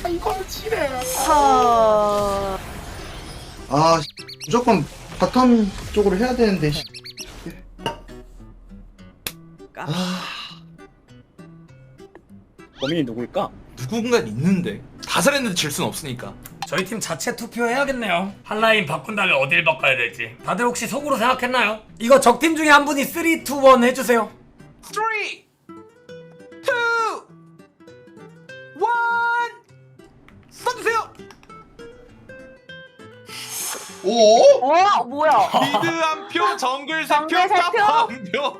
이거는 지뢰. 아 무조건 바텀 쪽으로 해야 되는데. 범인이 누구일까? 누군가 있는데 다 잘했는데 질 순 없으니까. 저희 팀 자체 투표해야겠네요. 한 라인 바꾼 다음에 어딜 바꿔야 될지. 다들 혹시 속으로 생각했나요? 이거 적팀 중에 한 분이 3, 2, 1 해주세요. 3, 2, 1 써주세요. 오? 뭐야? 미드 한 표, 정글 세 표, 정글 세 탑 표? 한 표.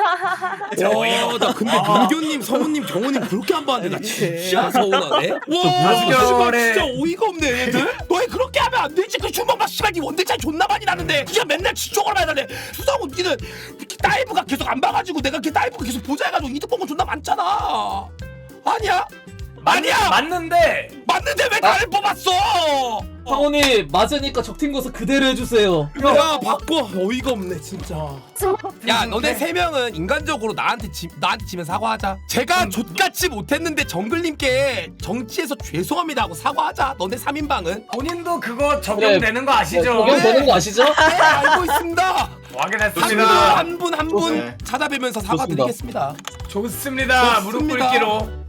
나 근데 민규님, 성우님, 경호님 그렇게 안 봤는데 나 진짜 서운하네. 와, 씨발 진짜 어이가 없네 얘들. 너희 그렇게 하면 안 되지. 그 슈퍼마 씨발 니 원딜 차이 존나 많이 나는데 그냥 맨날 지적을 해야 돼. 수상우 니는 다이브가 계속 안 봐가지고 내가 걔 다이브가 계속 보자 해가지고 이득 본 거 존나 많잖아. 아니야? 아니야. 맞는데 맞는데 왜 나를 뽑았어? 상훈이 맞으니까 적팀 거서 그대로 해주세요. 야 바꿔. 어이가 없네 진짜. 야 너네 세 명은 인간적으로 나한테 지면 사과하자. 제가 족같이 못했는데 정글님께 정치에서 죄송합니다 하고 사과하자. 너네 3인방은 본인도 그거 적용되는 거 아시죠? 적용되는 거 아시죠? 네, 알고 있습니다. 확인했습니다. 한 분 한 분 네. 찾아뵈면서 사과드리겠습니다. 좋습니다. 무릎 좋습니다. 꿇기로.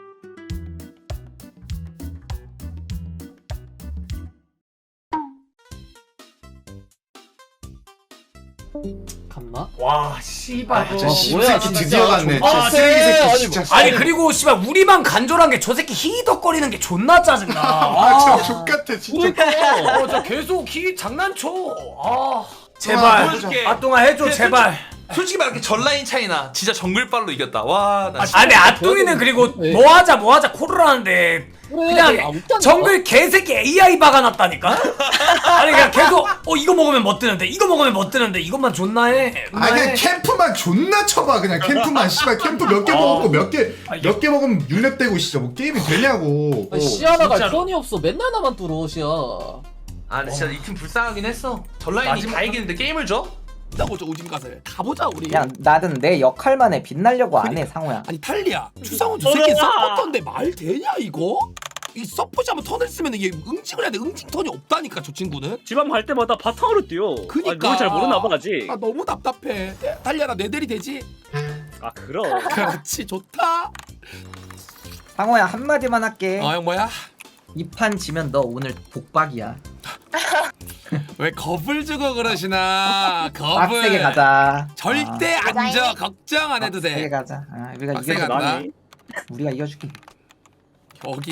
갔나? 와 씨발. 진짜 뭐야, 씨새끼 진짜. 드디어 갔네. 아, 진짜 쓰레기 새끼 아니, 진짜. 아니 그리고 씨발 우리만 간절한 게 저 새끼 히덕거리는 게 존나 짜증나. 아 진짜 족같아 진짜. 그러니까. 저 계속 히 장난쳐. 제발 보여줄게. 아똥아 해줘 제발. 솔직히 말할게 전라인 차이나 진짜 정글빨로 이겼다. 와, 나 아니 아똥이는 그리고 네. 뭐하자 그러는데 그냥 정글 개새끼 AI 박아놨다니까. 아니 그냥 계속 이거 먹으면 뭐 뜨는데 이거 먹으면 뭐 뜨는데 이것만 존나 해. 아 그냥 캠프만 존나 쳐봐 그냥 캠프만 씨발 캠프 몇 개 먹었고 몇 개 먹으면 6렙 되고 진짜 뭐 게임이 되냐고. 시야나가 진짜로. 편이 없어. 맨날 나만 뚫어 시야. 아, 근데 진짜 이 팀 불쌍하긴 했어. 전라인이 마지막- 다 이기는데 게임을 줘? 나보자 오진갓을 가보자 우리. 그냥 나는 내 역할만에 빛나려고 안 해 상호야. 아니 탈리야 추상훈 저 새끼 서포터인데 말 되냐 이거? 이 서포시 한번 턴을 쓰면 이게 응징을 해야 돼. 응징 턴이 없다니까 저 친구는. 집안 갈 때마다 바탕으로 뛰어. 그니까. 아니, 뭘 잘 모르나 봐 아직. 아 너무 답답해. 탈리야 나 내 대리 되지? 아 그럼. 그렇지 좋다. 상호야 한마디만 할게. 형 뭐야? 이 판 지면 너 오늘 복박이야. 왜 겁을 주고 그러시나? 겁을. 빡세게 가자. 절대 안 져. 걱정 안 해도 빡세게 돼. 가자. 우리가 빡세게 이겨줄게. 간다. 나니? 우리가 이겨줄게. 여기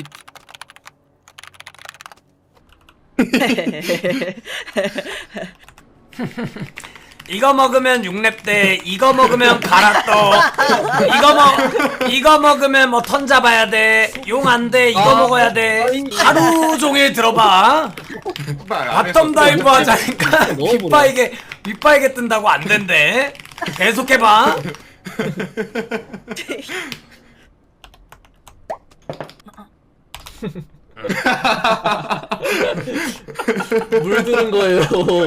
이거 먹으면 6렙 돼. 이거 먹으면 갈아떠. 이거 먹으면 뭐 턴 잡아야 돼. 용 안 돼. 이거 먹어야 돼. 하루 종일 들어봐. 바텀 다이브 하자니까 윗바이게 뜬다고 안 된대. 계속해봐. 물드는 거예요.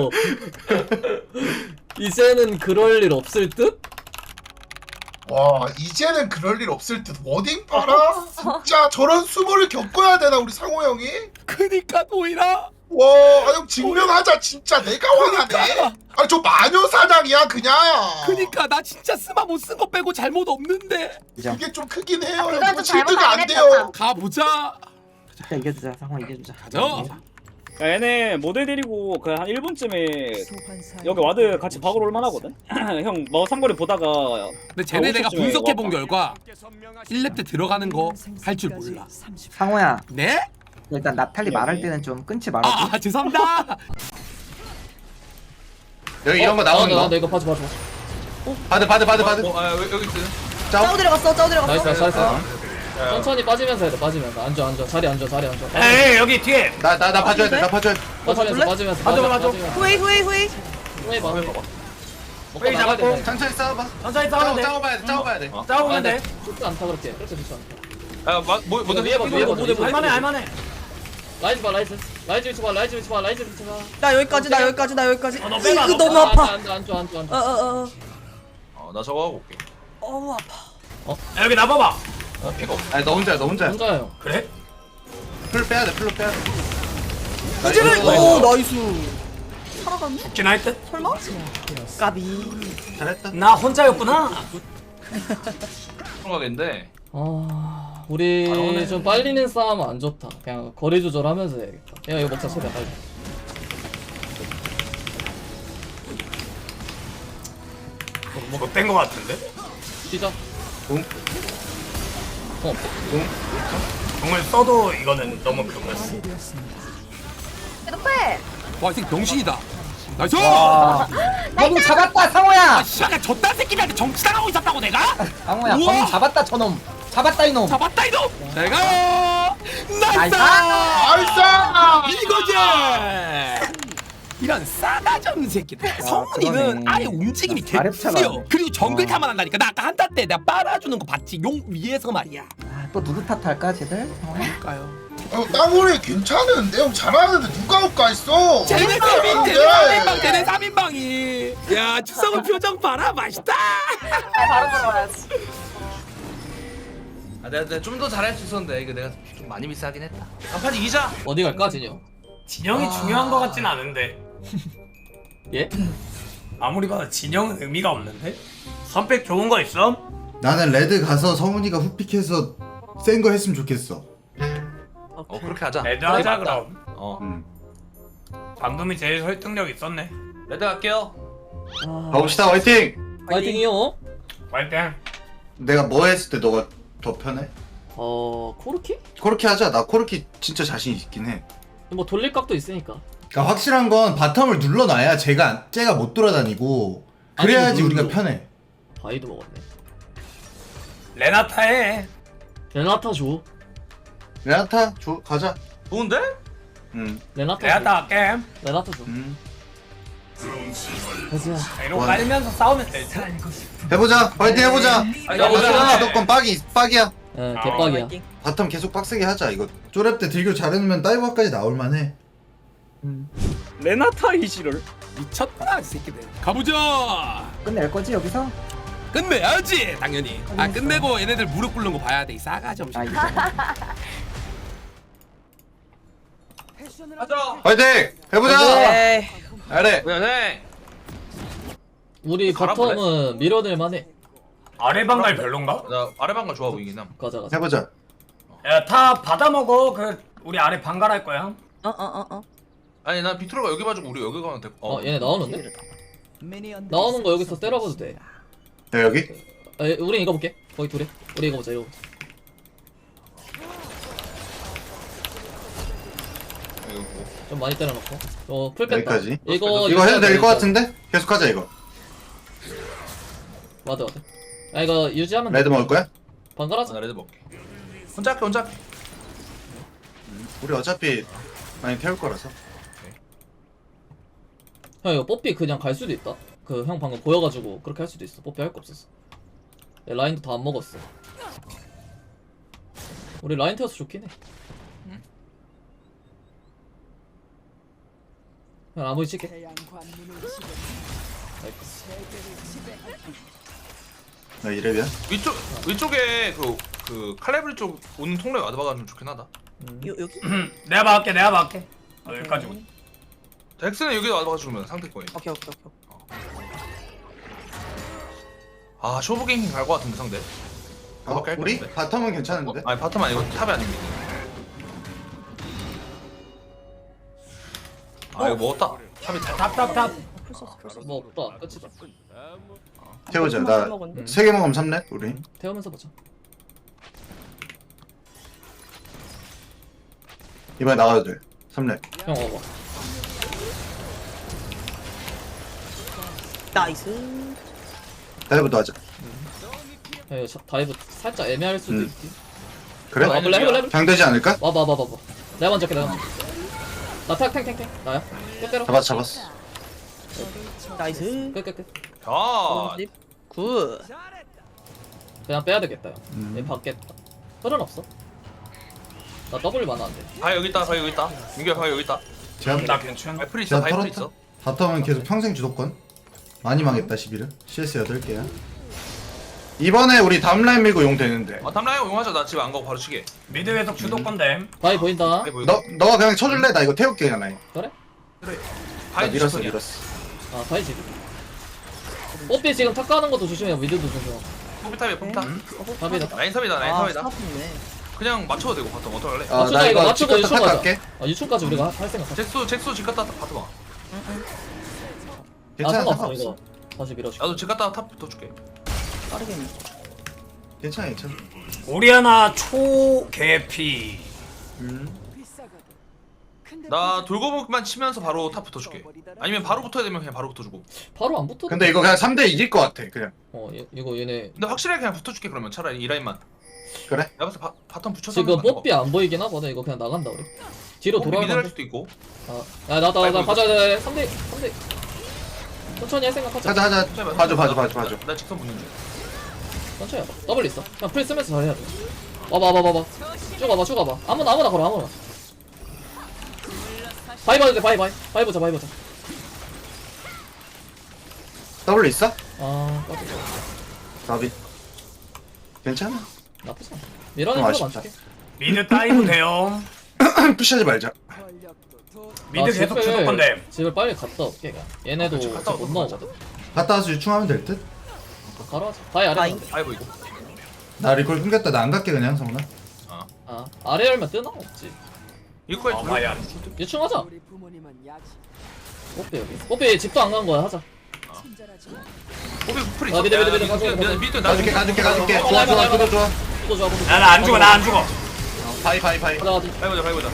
이제는 그럴 일 없을 듯? 와 이제는 그럴 일 없을 듯. 워딩 봐라. 진짜 저런 수모를 겪어야 되나 우리 상호 형이? 그니까 노이라. 와, 형 증명하자 진짜 내가 화나네. 아니 저 마녀 사냥이야 그냥. 그니까 나 진짜 스마 못 쓴 거 빼고 잘못 없는데. 그게 좀 크긴 해요. 그건 형 좀 질드가 안 잘못하긴 돼요. 했다. 가보자. 진짜 이겨주자 상호 이겨주자. 가자. 야, 얘네 모델 데리고 그 한 1분쯤에 여기 와드 같이 박으러 올만 하거든? 형 뭐 삼거리 보다가 근데 쟤네 내가 50초쯤에 분석해 본 와봐. 결과 1렙 때 들어가는 거 할 줄 몰라. 상호야 네? 일단 나탈리 말할 때는 좀 끊지 말아줘. 아 죄송합니다. 여기 이런 거 나오는 나 거. 이거 봐줘. 바드. 여기 있어. 짜오 들어갔어. 나이스 나이스. 천천히 빠지면서 해야 돼. 빠지면서 앉아. 자리 앉아. 에이 여기 뒤에. 나 봐줘야 돼. 나 봐줘야 돼. 빠지면서. 맞아. 후이. 후회 봐. 먹고 회의 나가야 잡았고. 된다. 천천히 싸워봐. 천천히 싸우면 돼. 싸워봐야 돼. 싸우면 돼. 좋지 않다 그렇게 좋지 않다. 뭐 위에 봐, 위에 봐. 할만해. 라이즈 봐. 라이즈 위치 봐. 라이즈 위치 봐. 나 여기까지. 너 빼봐. 이거 너무 아파. 앉아. 나 저거 하고 올게. 아파. 야, 여기 나봐봐. 피가 없어. 아니 너 혼자야. 혼자예요. 그래? 풀 빼야 돼. 풀로 빼야 돼. 이제를 오 나이스. 살아갔네? 죽긴 할 듯? 설마? 까비. 잘했다. 나 혼자였구나. 들어가겠는데. 아 우리 좀 빨리는 싸움 안 좋다. 그냥 거리 조절하면서 해야겠다. 야 이거 먹자 소리야 빨리. 못된 거 같은데? 시작. 응? 어. 공을 써도 이거는 너무 그거였어. 계속 빼. 와, 이 새끼 병신이다. 나이스! 너무 잡았다 상호야. 아, 씨발, 저딴 새끼들한테 정치당하고 있었다고 내가? 상호야 우와! 저놈 잡았다 저놈. 잡았다 이놈. 잡았다 이놈! 잘 가! 나이스! 나이스! 이거지! 이런 싸가지 없는 새끼들. 성훈이는 그러네. 아예 움직임이 아랩차가 개쓰요. 안 돼. 그리고 정글타만 한다니까. 나 아까 한타 때 내가 빨아주는 거 봤지? 용 위에서 말이야. 또 누구 탓할까 쟤들? 상호야? 까요. 땅굴이 괜찮은데 형 잘하는데 누가 올까 했어. 쟤네 3인, 쟤네 3인방, 쟤네 3인방이. 야, 추성훈 표정 봐라. 맛있다! 바로 들어가야지. 아, 내가 좀 더 잘할 수 있었는데 이거 내가 좀 많이 미스하긴 했다. 한판 이기자. 어디 갈까 진영? 진영이 중요한 거 같진 않은데. 예? 아무리 봐도 진영은 의미가 없는데? 선택 좋은 거 있어? 나는 레드 가서 성훈이가 후픽해서 센 거 했으면 좋겠어. 그렇게 하자. 레드 하자 그럼. 음. 방금이 제일 설득력 있었네. 레드 갈게요. 가봅시다. 화이팅. 파이팅이요. 화이팅. 내가 뭐 했을 때 너가 더 편해? 코르키? 코르키 하자. 나 코르키 진짜 자신 있긴 해. 뭐 돌릴 각도 있으니까. 그러니까 확실한 건 바텀을 눌러놔야 쟤가 못 돌아다니고 그래야지 아니, 우리가 눌러. 편해. 바이도 먹었네. 레나타 해. 레나타 줘. 레나타 가자. 좋은데? 레나타 줘. 레나타 할게. 레나타 줘. 가자. 자, 이러고 깔면서 싸우면 되지. 해보자. 화이팅 해보자. 해보자. 주도권 빡이야. 예, 개빡이야. 바텀 계속 빡세게 하자 이거. 쪼랩 때 딜교 잘해놓으면 다이버까지 나올만해. 레나타 이시를. 미쳤다, 이 새끼들. 가보자! 끝낼 거지 여기서? 끝내야지, 당연히. 아, 끝내고 얘네들 무릎 꿇는 거 봐야 돼, 이 싸가지 없이. 아 이거. 가자. 화이팅 해보자. 에이. 잘해. 네. 우리 갈아볼래? 바텀은 밀어낼 만해. 아래 방갈 별론가? 나 아래방가 좋아 보이긴 함. 가자 가자. 해보자. 야, 다 받아 먹어. 우리 아래 방갈 할 거야. 아니 난 비트로가 여기 봐주고 우리 여기 가면 돼. 얘네 나오는데? 나오는 거 여기서 때려봐도 돼. 야 여기. 우리 이거 볼게. 거기 둘이. 우리 이거 보자 이거. 좀 많이 때려놓고. 풀 뺐다. 여기까지. 이거 이거 해도 될 것 여기까지. 같은데? 계속하자 이거. 와드. 이거 유지하면 레드 돼. 먹을 거야? 번갈아서. 나 레드 먹게. 혼자 할게. 우리 어차피 많이 태울 거라서. 형 이거 뽀삐 그냥 갈 수도 있다. 그 형 방금 보여가지고 그렇게 할 수도 있어. 뽀삐 할 거 없었어. 라인도 다 안 먹었어. 우리 라인 태워서 좋긴 해. 형 아무리 칠게. 나 이래비야. 위쪽에 그 칼레브리 쪽 오는 통로에 와드 박아주면 좋긴 하다. 여기? 내가 막을게. 여기까지 오. 엑스는 여기 와드 박아주면 상대권이. 오케이. 아 쇼부갱 갈것 같은데 상대. 가볍게 할 우리 것 같은데. 바텀은 괜찮은데. 아니 바텀 아니고 탑이 아닙니다. 아 이거 먹었다. 탑이 탑. 뭐 없다. 끝이다. 태우자. 나 3개 먹으면 3렙 우리. 태우면서 보자. 이번에 나가도 돼. 3렙. 형 와봐. 나이스. 다이브도 하자. 형 이거 다이브 살짝 애매할 수도 있지. 그래? 해볼래? 장되지 않을까? 와봐. 내가 먼저 할게. 나 탱탱탱탱. 나야. 끝 때려. 잡았어. 나이스. 끝. 아 굿. 그냥 빼야 되겠다. 얘 받겠다. 혈은 없어. 나 W 많아 안 돼. 아 여기 있다. 여기 있다. 민규야 여기 있다. 제가 나 괜찮아. 바이플 있어. 제가 바이플 털었다. 있어. 바텀은 계속 평생 주도권. 많이 망했다 11은. CS 8개야. 이번에 우리 다음 라인 밀고 용 되는데. 아 탐라이어 용하자. 나 집 안 가고 바로 치게. 미드 계속 주도 건데. 바위 보인다. 아이고, 너가 그냥 쳐줄래? 나 이거 태울게 그냥 라인. 그래? 나 바이 밀었어 밀었어. 밀었어. 아 바위 지금. 뽀삐 지금 탁 가는 것도 조심해요. 미드도 조심하고. 포비탑이야 포비탑. 바위다. 라인 섭이다 라인 아 섭이다. 스타트네. 그냥 맞춰도 되고 바텀 어떡할래? 맞추자, 나 이거 이거 맞추고 치카타 탑 유충 가자. 갈게. 유충까지 우리가 할 생각. 잭스 집 갔다 바텀 와. 괜찮아 상관없어 상관없어. 이거. 다시 밀어줄게. 나도 집 갔다 탑 붙어줄게. 빠르게 밀. 괜찮아 괜찮아. 오리아나 초개피. 나 돌고목만 치면서 바로 탑 붙어줄게. 아니면 바로 붙어야 되면 그냥 바로 붙어주고. 바로 안 붙어. 근데 이거 그냥 3대 이길 것 같아 그냥. 이거 얘네 근데 확실하게 그냥 붙어줄게 그러면 차라리 이 라인만. 그래? 내가 봤을 때 바텀 붙여서 지금 하는 거. 뽀삐 안 보이긴 하거든. 이거 그냥 나간다 우리. 뒤로 뽀삐 미드 할 돌아가면. 수도 있고. 나 아이고, 가자. 3대. 천천히 할 생각하자. 하자 하자. 천천히 봐줘. 나 직선 붙는 중. 천천히 해봐. 더블 있어. 그냥 프리 쓰면서 잘해야 돼. 와봐. 쭉 와봐. 아무나 걸어 아무나. 바이 봐도 돼. 바이 보자. 더블 있어? 아 까비. 나비. 괜찮아. 나쁘지 않아. 밀어내는 좀 거 아쉽다. 맞출게. 미드 다이브 돼요. 푸시하지 말자. 미드 계속 주도 건데. 집을 빨리 갔다 올게. 그냥. 얘네도 그치, 갔다 못 오고 나오거든. 갔다 와서 유충하면 될 듯? 바로 하자. 바이 아래. 바이. 가면 돼. 아이고 이거. 나 리콜 끊겼다. 나 안 갈게 그냥 성훈아. 아 아래 열면 뜨나 없지. 이거까지 봐야. 유충하자. 뽀삐 집도 안 간 거야. 하자. 뽀삐 풀이 아, 있어. 미드, 야, 미드, 가져. 미드 가줄게. 어, 좋아. 또 좋아. 나 안 죽어. 바이. 가자. 밟아보자.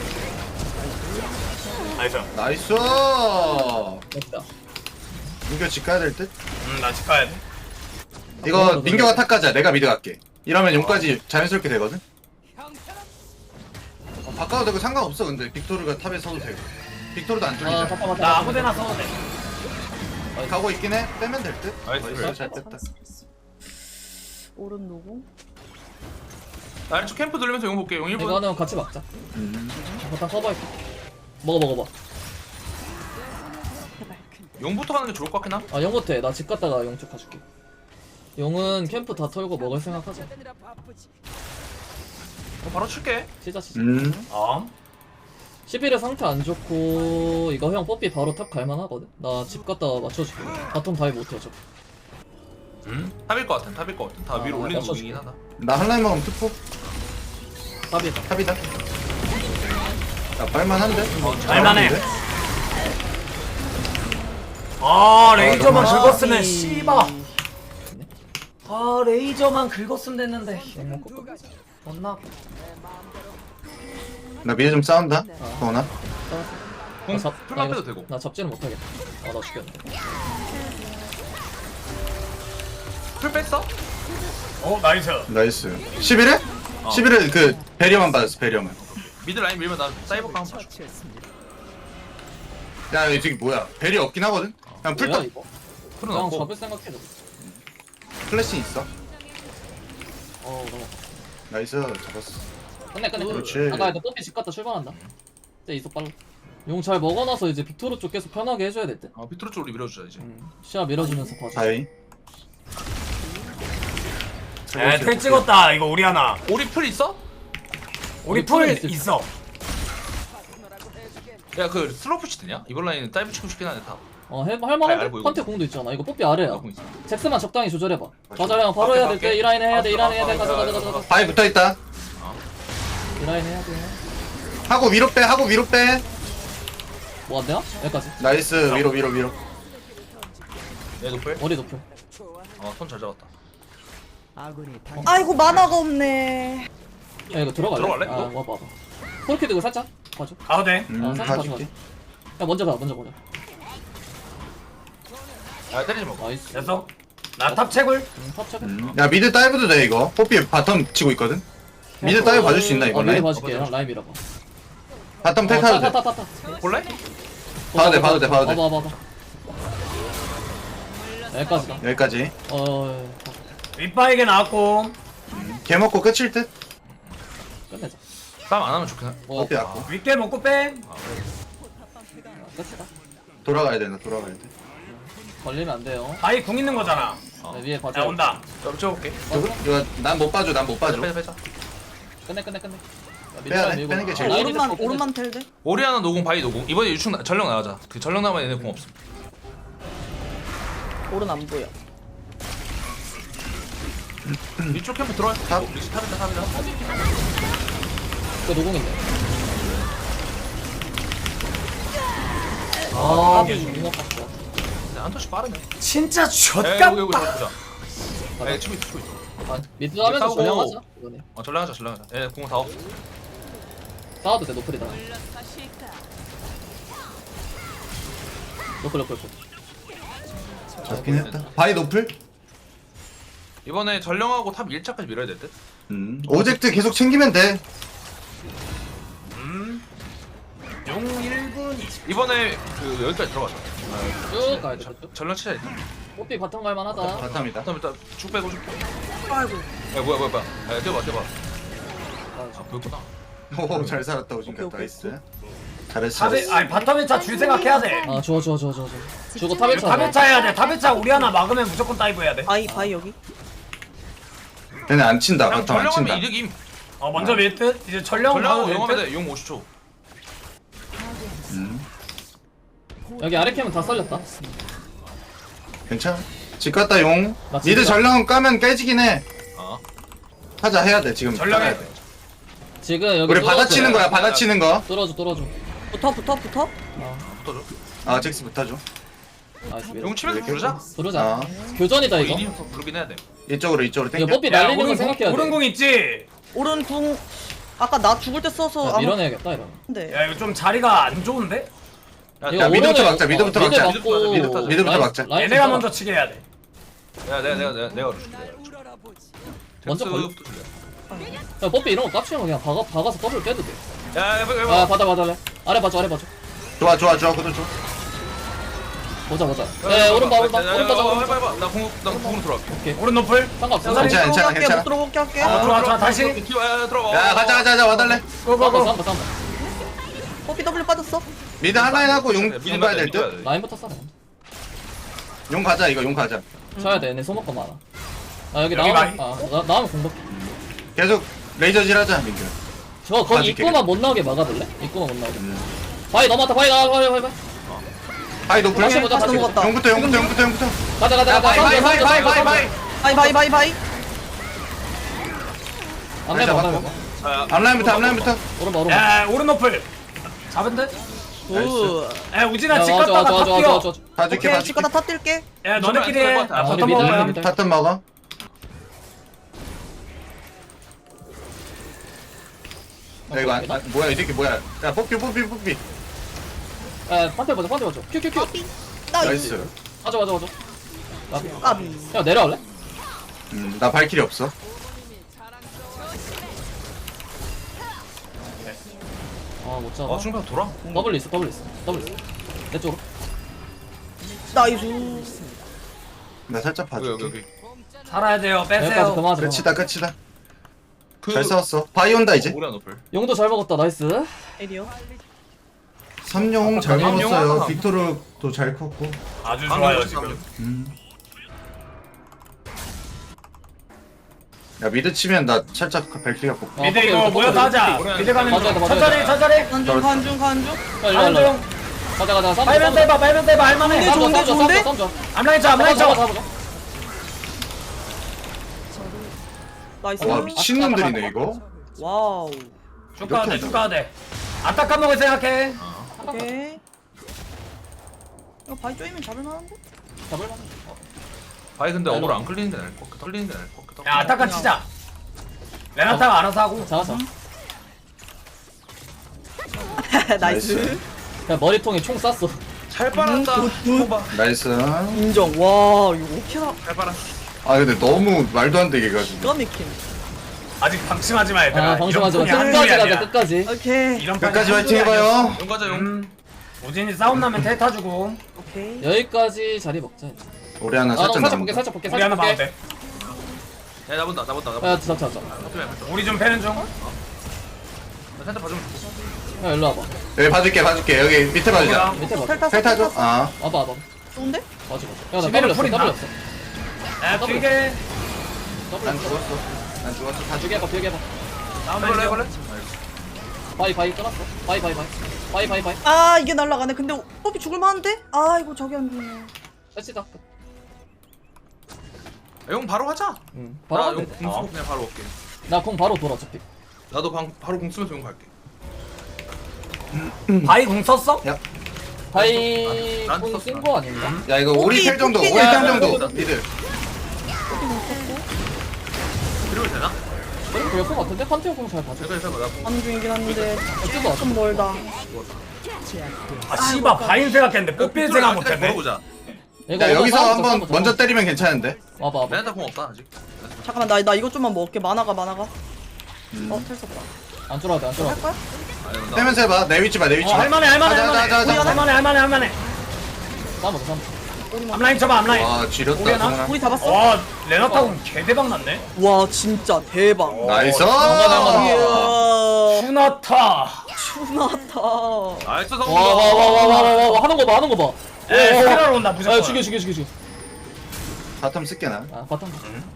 나이스. 나이스. 됐다. 민규 집 가야 될 듯? 나 집 가야 돼. 이거 민규가 탑 가자. 내가 미드 갈게. 이러면 용까지 자연스럽게 되거든? 바꿔도 되고 상관없어 근데 빅토르가 탑에 서도 되고 빅토르도 안 뚫리잖아. 잠깐만. 나 아무데나 써도 돼. 가고 있긴 해. 빼면 될 듯? 나이스. 잘 뺐다. 오른 누구? 나 아래쪽 캠프 돌리면서 용 볼게. 용 1분. 이거는 같이 막자. 일단 커버할게. 먹어봐. 용부터 가는 게 좋을 것 같긴 함. 용 못해. 나 집 갔다가 용 쪽 가줄게. 용은 캠프 다 털고 먹을 생각하자. 바로 칠게. 치자. 11에 상태 안 좋고 이거 형 뽀삐 바로 탑 갈만 하거든. 나 집 갔다가 맞춰줄게. 바텀 다이 못해 저. 탑일 것 같아. 다 위로 올리는 맞춰줄게. 중이긴 하다. 나 한라인 먹으면 투포 탑이다. 탑이다. 나 빨만한데? 빨만해. 아 레이저만 너무 긁었으면 씨바. 아 레이저만 긁었으면 됐는데. 존나. 나 미드 좀 싸운다. 성훈아. 공 나 풀만 이거- 빼도 되고. 나 잡지는 못하겠다. 나 죽겠네. 풀 뺐어? 나이스. 나이스. 11회? 11회 그 배리어만 받았어 배리어만. 미드 라인 밀면 나 사이버 강 한번 봐줘. 야 이게 뭐야 배리 없긴 하거든? 그냥 뭐야 풀탑 이거? 풀은 그냥 없고. 잡을 생각해도. 플래시 있어. 너무. 나이스 잡았어. 끝내. 그렇지. 아까 이거 뽀삐 집 갔다 출발한다. 이제 이속 빨라. 용 잘 먹어놔서 이제 빅토르 쪽 계속 편하게 해줘야 될 듯. 비트로 쪽으로 밀어주자 이제. 시야 밀어주면서 봐줘. 다이. 틀 찍었다. 이거 오리아나. 오리 풀 있어? 우리 우리 풀 풀 있어. 야 그 슬로우 푸시 되냐? 이번 라인은 다이브 치고 싶긴 하네 다. 할만한데? 알고 이거. 컨테 공도 있잖아. 이거 뽀삐 아래야. 공 있어. 잭스만 적당히 조절해봐. 맞아. 맞아 형 바로 해야 될 때. 오케이. 이 라인 해야 돼. 이 라인 오케이. 해야 돼. 가자. 바위 붙어있다. 이 라인 해야 돼. 하고 위로 빼. 뭐 안 되나? 여기까지. 나이스 위로. 얘 노플? 머리 높여. 손 잘 잡았다. 아이고 만화가 없네. 야 이거 들어갈래? 들어갈래, 아 이거? 와봐. 폴키 들고 살짝 봐줘. 가도 돼. 살짝 봐줘. 가줄게. 야 먼저 가. 야 때리지 마. 나이스. 됐어. 나 탑 채굴. 탑 check. 야 미드 다이브도 돼 이거. 뽀삐 바텀 치고 있거든. 미드 다이브 봐줄 수 있나 이거 미드 라인? 봐줄게. 형 라인 밀어봐. 바텀 텔타도 돼. 타타. 볼래? 봐도 돼. 봐봐. 여기까지다. 여기까지. 윗바에게 나왔고. 개 먹고 끝일 듯. 끝내자. 싸움 안 하면 좋긴 해. 뽀삐 왔고. 윗게 먹고 빼. 끝이다. 돌아가야 돼. 걸리면 걸리면 안 돼요. 바이 궁 있는 거잖아. 네, 위에 야 봐줘. 온다. 좀 찍어볼게. 이거 난 못 봐줘, 난 못 봐줘. 빼자. 끝내. 야, 빼야 돼, 밀고. 빼는 게 제일 라인이 오른만 됐어, 오른만 텔대. 오리아나 노공 바이 노공. 이번에 유충 전령 나가자. 그 전령 나면 얘네 공 없음. 오른 안 보여. 이쪽 캠프 들어와. 탑. 리시 탑이다. 그 노공인데. 아, 이거 봤어. 한 터씩 빠르네. 진짜 여기 좆같다. 보자. 에 치고 있어. 아, 미드 하면서 싸우고. 전령하자. 이거네. 전령하자. 얘 공은 다 없어. 싸워도 돼, 노플이다. 노플. 잡긴 했다. 바이 노플? 이번에 전령하고 탑 1차까지 밀어야 될 듯. 오젝트 계속 챙기면 돼. 용 1분 20. 이번에 그 여기까지 들어가자. 쭉 가야 돼, 쭉. 전령 치자 일단. 뽀삐 바텀 갈만하다. 바텀이다. 일단 쭉 빼고 쭉. 아이고. 야 뭐야. 야 뛰어봐. 아 그렇구나. 오, 잘 살았다, 오진가. 오케이. 나이스. 잘했어. 탑에 아니 바텀 1차 줄 생각해야 돼. 아, 좋아. 주고 탑 1차. 탑 1차 해야 돼. 탑 1차 우리 하나 막으면 무조건 다이브 해야 돼. 바이 여기. 얘네 안 친다, 그냥 바텀 안 친다. 전령하면 이득임. 먼저 밀듯 이제 전령 전령하고 가도 용하면 밀듯. 돼. 용 50초. 여기 아래 캠은 다 썰렸다. 괜찮아. 집 갔다 용. 나 미드 진짜- 전령 까면 깨지긴 해. 어. 하자, 해야 돼, 지금. 전령해. 해야 돼. 지금 여기 우리 뚫어줘. 받아치는 거야, 받아치는 거. 뚫어줘. 붙어. 붙어줘. 아, 잭스 붙어줘. 나이스. 용 치면서 부르자. 부르자. 아, 교전이다 이거. 이니부터 부르긴 해야 돼. 이쪽으로 이거 땡겨. 뽀삐 날리는 거 생각해야 돼. 오른공 있지. 오른 궁. 아까 나 죽을 때 써서 야, 밀어내야겠다 이러면. 네. 야 이거 좀 자리가 안 좋은데? 야, 이거 야, 미드부터 오른에- 막자, 미드부터 미드 막자. 막고 미드부터 라인- 막자. 라인 얘네가 좀 먼저 치게 해야 돼. 야 내가 그러줄게. 먼저 잭스 걸려. 부터 줄래? 야 뽀삐 이런 거 깝치면 그냥 박아서 더블 빼도 돼. 야 해봐. 아 받아. 아래 봐줘. 좋아, 그거 좋아. 보자. 네 오른 봐. 해봐. 나 공으로 들어갈게. 오른 노플. 상관없어. 괜찮아. 못 들어볼게 할게. 좋아 다시. 들어가. 야, 가자, 와달래. 고고고. 싸움봐. 뽀삐 W 빠졌어. 미드 하나에 하고 용 미드 가야 될 미드 듯? 라인부터 싸. 용 가자, 이거 용 가자. 쳐야 돼. 내 소모가 많아. 아 여기 여기 나오면 많이- 나오면 공격. 계속 레이저질 하자, 민규. 저 거기 봐줄게. 입구만 못 나오게 막아볼래? 입구만 못 나오게. 바위 넘어왔다. 바위 나와. 바위. 바이 노플. 다시 보자. 다시 넘어갔다. 용부터. 가자. 야, 바이. 안 해봐. 잡았고. 앞라인부터. 오른 봐. 야 오른 노플. 잡은 듯? 굿. 야 우진아 집 야, 갔다가 탑 뛰어. 봐줄게. 오케이 치과 다 뛸게. 야 너네끼리 해. 나 우리 바텀 미드, 먹을 거야. 미드. 바텀 먹어. 야, 이거 뭐야, 이 새끼 뭐야. 야, 뽑기. 야 판테 보자. 큐. 나이스. 맞아. 까비. 야 내려갈래? 나 발길이 없어. 아못 잡아. 중간 돌아. 더블 있어. 내 쪽으로. 나이스. 나 살짝 봐줄게. 여기. 살아야 돼요. 여기까지 빼세요. 그만하자. 끝이다. 잘 싸웠어. 바이 온다, 이제. 오리아 노플. 용도 잘 먹었다. 나이스. 에리어. 삼용 잘 삼용 먹었어요. 하나. 빅토르도 잘 컸고. 아주 좋아요 지금. 야, 미드 치면 나 살짝 발길이가 뽑고. 미드 이거 모여서 하자. 미드 가는 중. 천천히. 간중. 일로. 중. 가자. 빨면 떼봐. 할만해. 좋은데? 싸움 암라인 쳐. 나이스. 와, 미친놈들이네, 이거. 와우. 쭉 가도 돼. 아타 까먹을 생각해. 오케이. 이거 바이 쪼이면 잡을만한데? 잡을만. 바이 근데 어그로 안 끌리는 게 나을 것 같아. 끌리는 게 나을 것 같아. 야 아타카 치자. 레나타가 알아서 하고. 잡았어. 나이스. 야 머리통에 총 쐈어. 잘 빨았다. 나이스. 인정. 와 이거 오케이다. 잘 빨아. 아, 근데 너무 말도 안 되게 해가지고. 기가 막힌. 아직 방심하지 마 얘들아. 방심하지 마. 이런 판이 끝까지 한둘이 가자. 아니야. 끝까지. 오케이. 이런 판이 끝까지 한둘이 화이팅 아니야. 해봐요. 용 가자 용. 우진이 싸움 나면 텔 타주고. 오케이. 여기까지 자리 먹자. 우리 하나 아, 살짝 살짝 남은 볼게. 우리 하나 봐도 돼. 야 나본다. 야, 잡자. 우리 좀 패는 중. 나 살짝 봐주면 야, 일로 와봐. 여기 봐줄게. 여기 밑에 봐주자. 밑에 봐. 텔 탔어. 텔 타줘. 아. 와봐. 좋은데? 맞아. 야, 나 집에는 더블 풀 없어. 있나? 야 되게 난 죽었어. 난 죽었어. 다 비게 해봐 비게 해봐. 해볼래 해볼래? 바이 끊었어. 바이. 아 이게 날라가네. 근데 뽀삐 죽을 만한데? 아 이거 저기 안 되네. 패시다. 용 바로 하자. 응. 나 바로 용 돼. 공수고 그냥 바로 올게. 나공 바로 돌아 어차피. 나도 바로 공 쓰면서 용 갈게. 바이 공 썼어? 바이 난 공 썼어. 쓴 거 아닌가? 야 이거 오리 텔 정도. 오리 뽑기냐? 텔 정도. 니들. 그리고 되나? 그럴 것 같은데? 판테오 공잘 봐줘. 해봐 나 공. 하는 중이긴 한데 어쩌다 좀 멀다. 아 씨발 바인 생각했는데 뽀삐 생각 못했네. 걸어보자. 야 여기서 한번 먼저 때리면 괜찮은데. 와봐. 레나타 공 없다 아직. 잠깐만 나 이것 좀만 먹을게. 만화가. 텔 썼다. 안 쫄아도 돼, 안 쫄아도 할 돼. 거야? 떼면서 해봐. 내 위치 봐. 내 위치 봐. 할만해 가자, 가자, 가자. 할만해. 싸먹어, 싸먹어. 앞라인 쳐봐 앞라인. 와 지렸다. 오리아나? 성훈아. 우리 잡았어? 와 레나타 공 개대박 났네. 와 진짜 대박. 나이스. 이야. 슈나타. 추나타. 나이스 와, 성공. 와, 하는 거 봐, 하는 거 봐. 에 스피럴 온다 무조건. 아, 죽여. 바텀 쓸게 나. 아, 바탕.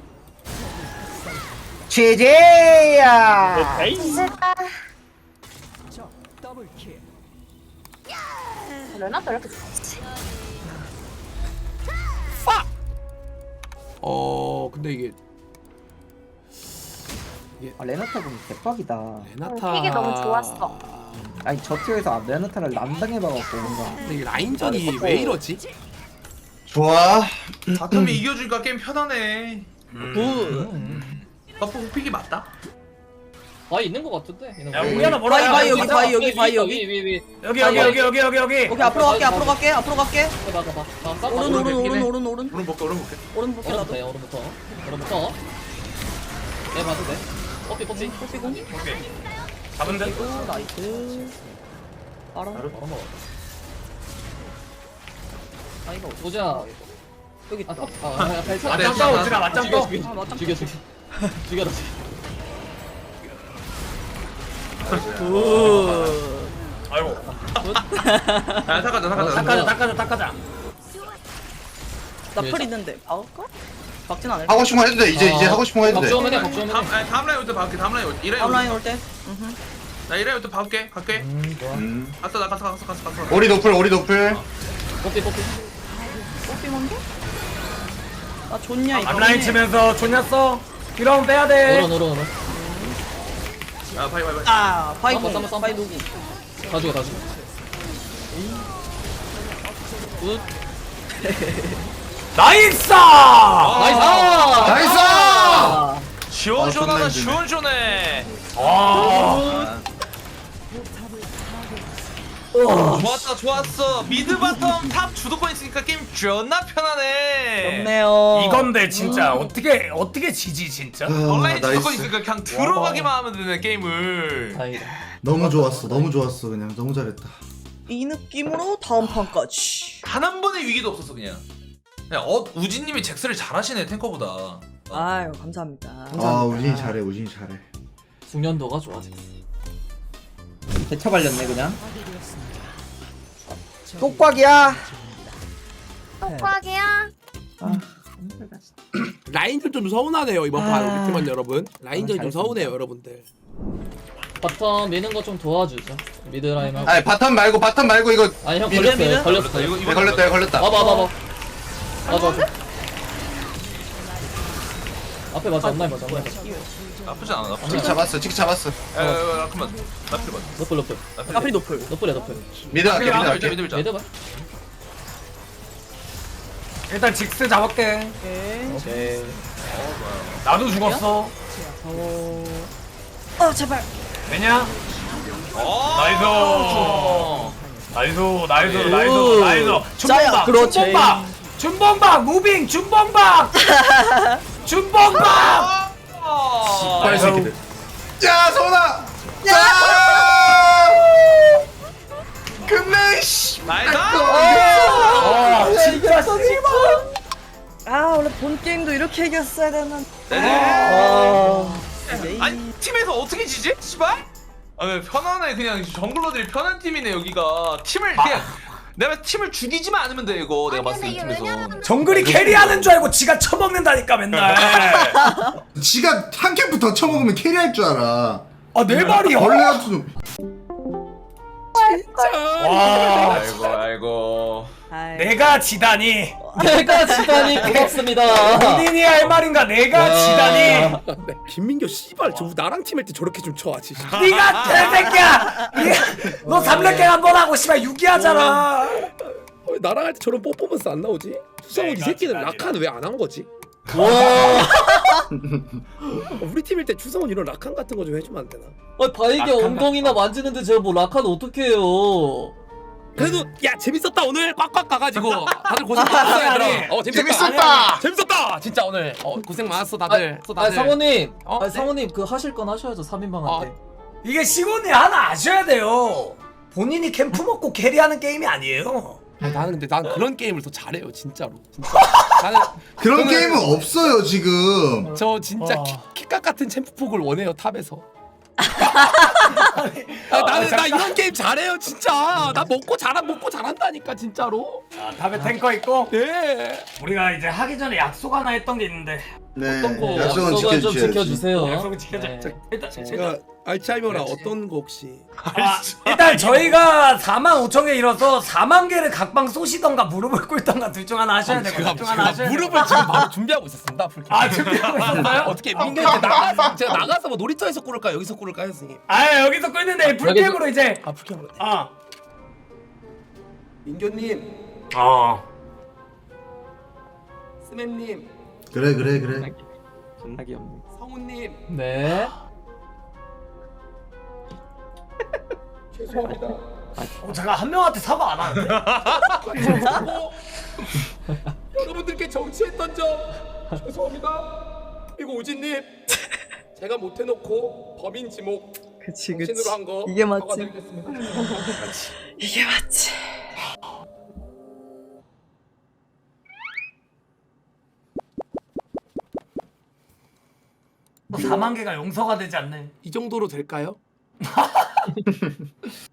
제제야. 레나타 이렇게 좋지? 근데 이게 아, 레나타 군 대박이다. 레나타 픽이 너무 좋았어. 아니 저 티어에서 레나타를 남당해봐갖고 뭔가. 근데 이게 라인전이 왜 이러지? 좋아. 바텀이 이겨주니까 게임 편하네. 굿. 버프 호픽이 맞다. 바이 있는 거 같은데? 있는 거. 야 우리아나 뭐라? 바이 여기 맞아. 바이 여기 바이 여기. 위. 여기. 오케이 앞으로 갈게. 앞으로 갈게. 봐. 나 싸워. 오른. 오른 볼게. 오른 볼게 나도. 오른부터. 네, 봐도 돼. 뽀삐. 뽀삐공. 오케이. 잡은 듯. 오 나이스. 알아. 바로 먹어. 아 이거 어디? 보자. 여기 있다. 발차. 네, 맞짱 떠 오지라 맞짱 떠. 죽여. 죽여라. 굿. 아이고. 야 닦아자. 닦아자. 나풀 있는데 박을까? 박진 않을. 하고 싶은 거 해도 돼. 이제 하고 싶은 거 해도 돼. 박주호면 해, 박주호면 해. 다음 라인 올때 박을게. 다음 라인 올 때. 이라인 다운라인 올 때. 나 이라인 올때 박을게. 갈게. 좋아. 갔어 나 갔어. 오리 노플. 뽀삐. 뽀삐 먼저? 아 좋냐 이거. 앞라인 치면서 좋냐어. 이러면 빼야 돼. 오른. 야 바이. 아 바이 쌈바, 공. 쌈바. 바이 누구? 다 죽여. 굿. 나이스! 나이스! 시원시원하다. 아, 시원시원해. 와. 좋았어. 미드 바텀 탑 주도권 있으니까 게임 존나 편하네. 좋네요. 이건데 진짜 어떻게 지지 진짜? 온라인 주도권 나이스. 있으니까 그냥 들어가기만 하면 되네 게임을. 다행이다. 너무 좋았어. 그냥 너무 잘했다. 이 느낌으로 다음 판까지. 단 한 번의 위기도 없었어 그냥. 우진님이 잭스를 잘하시네 탱커보다. 아유 감사합니다. 아 우진이 잘해. 숙련도가 좋아. 대차 발렸네 그냥. 똑꽉이야. 똑꽉이야? 라인전 좀 서운하네요 이번 판 팀원 여러분. 라인전 좀 서운해요 여러분들. 바텀 미는 거 좀 도와주죠. 미드 라인 하고. 아니 바텀 말고 이거. 아니 형 미드, 걸렸어요. 걸렸어. 이거 걸렸다. 봐봐. 맞아. 앞에 맞아. 앞라인 맞아. 나쁘지 않아. 치키 잡았어. 야 잠깐만. 나 필요 맞. 너플. 앞이 높을. 너플이야. 미드 갈게. 미드 밀자. 미드 봐. 일단 직스 잡을게. 오케이. 나도 죽었어. 아 제발. 왜냐? 나이스. 짜야, 그렇지. 준범박 무빙 준범박. 빨리 새끼들. 야 소나. 끝내 씨. 나이스. 진짜 아 원래 본 게임도 이렇게 이겼어야 되는. 아니 팀에서 어떻게 지지? 씨발? 아 편하네 그냥 정글러들이 편한 팀이네 여기가. 팀을 그냥 내가 팀을 죽이지만 않으면 돼 이거 내가 봤을 때 이 팀에서. 정글이 캐리하는 줄 알고 지가 처먹는다니까 맨날. 지가 한 캠프 더 쳐먹으면 캐리할 줄 알아. 아 내 말이야. 원래 같은 와 아이고. 아이. 내가 지다니. 내가 지다니 고맙습니다. 본인이 할 말인가 내가 지다니. 김민교 씨발 저 나랑 팀할 때 저렇게 좀 쳐야지. 네가 개새끼야. 너 3렙갱 한번 하고 씨발 유기하잖아. 왜 나랑 할 때 저런 퍼포먼스 안 나오지? 수성훈 이 새끼는 라칸 왜 안 한 거지? 와. 우리 팀일 때 추성훈 이런 라칸 같은 거 좀 해주면 안 되나? 바이게 엉덩이나 만지는데 제가 뭐 라카는 어떻게 해요? 그래도 야 재밌었다 오늘 꽉꽉 가가지고 다들 고생 많았어 얘들아. 재밌었다. 재밌었다 진짜 오늘 고생 많았어 다들. 상호님, 네? 상호님 그 하실 건 하셔야죠 3인방한테. 이게 시곤이 하나 아셔야 돼요. 본인이 캠프 먹고 캐리하는 게임이 아니에요. 나는 근데 난 그런 게임을 더 잘해요 진짜로. 진짜. 나는 그런 게임은 없어요 지금. 저 진짜 키깍 같은 챔프폭을 원해요 탑에서. 나는 나 이런 게임 잘해요 진짜. 나 먹고 잘한다니까 진짜로. 탑에 탱커 있고. 네. 우리가 이제 하기 전에 약속 하나 했던 게 있는데. 네. 어떤 거 약속은 약속은 좀 지켜주셔야지. 지켜주세요. 약속은 지켜줘. 네. 일단 제가 알츠하이머라 어떤 거 혹시? 일단 저희가 45,000개 잃어서 4만 개를 각방 쏘시던가 무릎을 꿇던가 둘 중 하나 하셔야 되고. 둘 중 하나 하셔야 되고. 무릎을 지금 바로 준비하고 있었습니다. 아 준비하고 있었어요? 어떻게 민규한테 나가 제가 나가서 뭐 놀이터에서 꿇을까 여기서 꿇을까 선생님? 아 여기서 끓는데 풀캠으로 이제. 아 불쾌하네. 어. 민규님, 스맵님, 그래. 존나 귀엽네. 성우님 네. 죄송합니다. 제가 한 명한테 사과 안 하는데. 여러분들께 정치했던 점 죄송합니다. 그리고 우진님 제가 못해놓고 범인 지목 그치 정신으로 한 거 이게 맞지. 사과드리겠습니다. 이게 맞지. 뭐 4만 개가 용서가 되지 않네. 이 정도로 될까요?